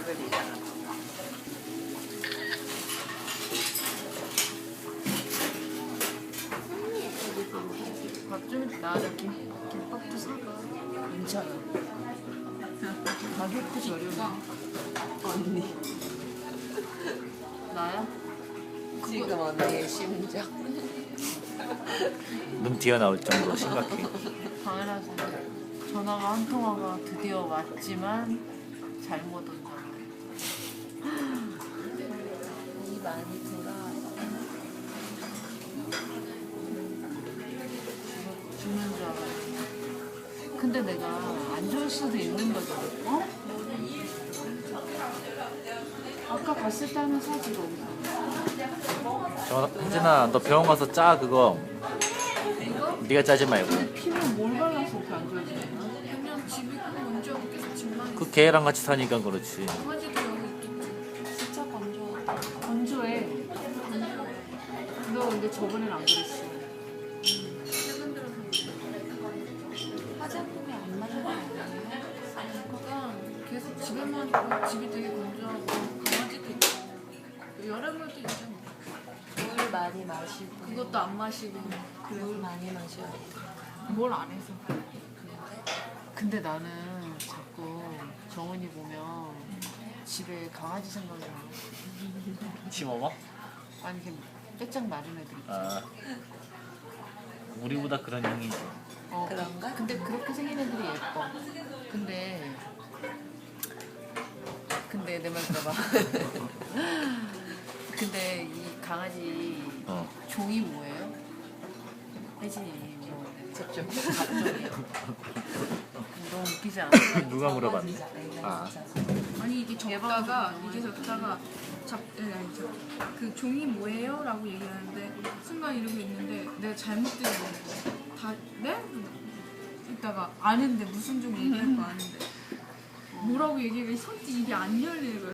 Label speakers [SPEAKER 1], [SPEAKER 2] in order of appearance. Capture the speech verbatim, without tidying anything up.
[SPEAKER 1] 그리잖아.
[SPEAKER 2] 밥좀 나와서 김, 김밥도 사가.
[SPEAKER 1] 괜찮아.
[SPEAKER 2] 가격도 저렴해.
[SPEAKER 1] 언니.
[SPEAKER 2] 나야?
[SPEAKER 1] 지금 언니의 심정.
[SPEAKER 3] 눈 튀어나올 정도로 심각해.
[SPEAKER 2] 당연하지. 전화가 한 통화가 드디어 왔지만 잘못 온 전화.
[SPEAKER 1] 이 많이 돌아.
[SPEAKER 2] 죽는 줄 알았어. 근데 내가 안 좋을 수도 있는 거죠. 어? 아까 갔을 때 하면 사지 거기서.
[SPEAKER 3] 저 혜진아, 너 병원 가서 짜 그거. 네가 짜지 말고.
[SPEAKER 2] 근데 피는 뭘 발라서 이렇게 안 좋아지나?
[SPEAKER 4] 그냥 집에 그거 언제 없겠어 집만
[SPEAKER 3] 그 개랑 같이 사니까 그렇지.
[SPEAKER 4] 강아지도 여기 있겠지.
[SPEAKER 1] 진짜 건조하다.
[SPEAKER 2] 건조해. 너 근데 저번엔 안 그랬어.
[SPEAKER 4] 최근 들어서
[SPEAKER 1] 화장품이 안 맞는 거 아니에요?
[SPEAKER 4] 그러니까 계속 집에만 있고 집이 되게 건조하고 강아지도 있고 여름에도 있잖아.
[SPEAKER 1] 물 많이 마시고.
[SPEAKER 4] 그것도 안 마시고
[SPEAKER 1] 물 많이 마셔야 돼.
[SPEAKER 2] 뭘 안 해서. 근데 나는 자꾸 정은이 보면 집에 강아지 생각이 나.
[SPEAKER 3] 심어봐?
[SPEAKER 2] 아니 이렇게 빼짝 마른 애들 있지.
[SPEAKER 3] 아. 우리보다 그런 형이지.
[SPEAKER 2] 어,
[SPEAKER 1] 그런가?
[SPEAKER 2] 근데 그렇게 생긴 애들이 예뻐. 근데 근데 내 말 들어봐. 근데 이 강아지
[SPEAKER 3] 어.
[SPEAKER 2] 종이 뭐예요? 혜진이 뭐
[SPEAKER 1] 접종.
[SPEAKER 2] 갑종이요? 너무 웃기지 않아?
[SPEAKER 3] 누가 물어봤니? 아.
[SPEAKER 4] 아니 이게 적다가 이게 적다가 잡 아니 아니 저, 그 종이 뭐예요? 라고 얘기를 하는데 순간 이러고 있는데 내가 잘못 들은 거야. 다 네? 이따가 아는데 무슨 종 얘기할 거 아는데 뭐라고 얘기해 손짓 입이 안 열리는 거야.